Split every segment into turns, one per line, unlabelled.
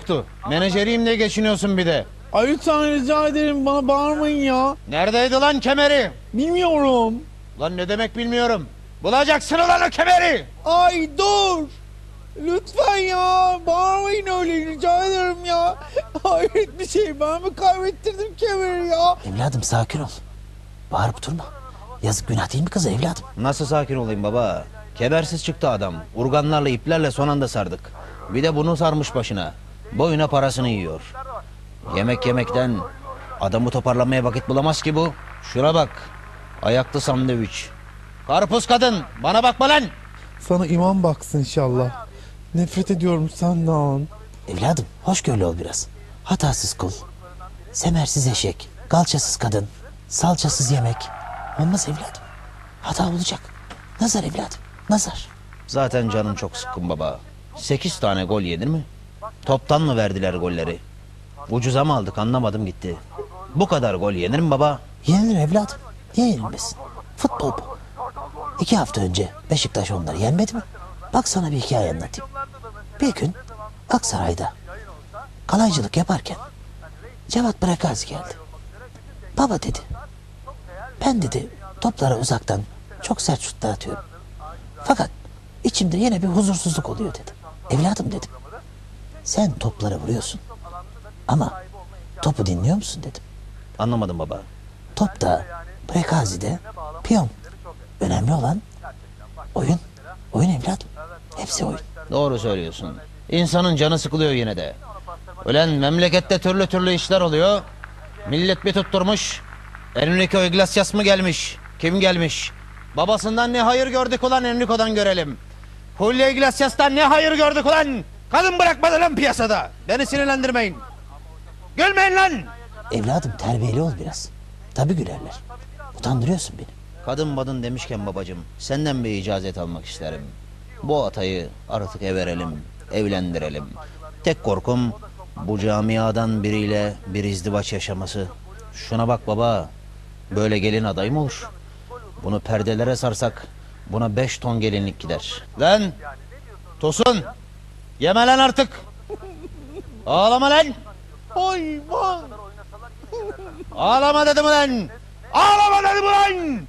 yoktu. Menajeriyim diye geçiniyorsun bir de.
Ay lütfen rica ederim, bana bağırmayın ya.
Neredeydi lan kemeri?
Bilmiyorum.
Lan ne demek bilmiyorum. Bulacaksın ulan o kemeri.
Ay dur. Lütfen ya, bağırmayın öyle, rica ederim ya. Hayret bir şey, ben mi kaybettirdim kemeri ya?
Evladım sakin ol. Bağırıp durma. Yazık, günah değil mi kız evladım?
Nasıl sakin olayım baba? Kemersiz çıktı adam. Urganlarla iplerle son anda sardık. Bir de bunu sarmış başına. Boyuna parasını yiyor. Yemek yemekten adamı toparlamaya vakit bulamaz ki bu. Şuna bak. Ayaklı sandviç. Karpuz kadın bana bakma lan.
Sana iman baksın inşallah. Nefret ediyorum senden.
Evladım hoşgörülü ol biraz. Hatasız kul. Semersiz eşek. Kalçasız kadın. Salçasız yemek. Olmaz evladım. Hata olacak. Nazar evladım. Nazar.
Zaten canım çok sıkkın baba. 8 tane gol yenir mi? Toptan mı verdiler golleri? Ucuza mı aldık anlamadım gitti. Bu kadar gol yenir mi baba?
Yenilir evladım. Niye yenilmesin? Futbol bu. 2 hafta önce Beşiktaş onları yenmedi mi? Bak sana bir hikaye anlatayım. Bir gün Aksaray'da kalaycılık yaparken Cevat Bırakazi geldi. Baba dedi. Ben dedi toplara uzaktan çok sert şutlar atıyorum. Fakat içimde yine bir huzursuzluk oluyor dedi. Evladım dedim. Sen toplara vuruyorsun. Ama topu dinliyor musun dedim.
Anlamadım baba.
Top da Bırakazi'de piyon. Önemli olan oyun. Oyun evladım. Hepsi oyun.
Doğru söylüyorsun. İnsanın canı sıkılıyor yine de. Ulan memlekette türlü türlü işler oluyor. Millet bir tutturmuş. Enrico Iglesias mı gelmiş? Kim gelmiş? Babasından ne hayır gördük ulan Enrico'dan görelim. Julio Iglesias'tan ne hayır gördük ulan? Kadın bırakmadı lan piyasada. Beni sinirlendirmeyin. Gülmeyin lan.
Evladım terbiyeli ol biraz. Tabii gülerler. Utandırıyorsun beni.
Kadın madın demişken babacığım, senden bir icazet almak isterim. Bu atayı artık verelim, evlendirelim. Tek korkum bu camiadan biriyle bir izdivaç yaşaması. Şuna bak baba, böyle gelin adayı mı olur? Bunu perdelere sarsak buna 5 ton gelinlik gider. Lan Tosun, yeme lan artık. Ağlama lan.
Hayvan.
Ağlama dedim ulan. Ağlama dedim ulan.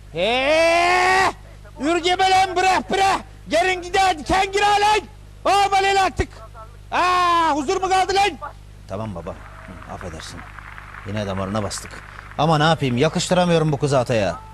Ürgeme lan bırak. Gelin gider diken gir lan. Ağlama artık. Huzur mu kaldı lan? Tamam baba, affedersin. Yine damarına bastık. Ama ne yapayım, yakıştıramıyorum bu kızı ataya.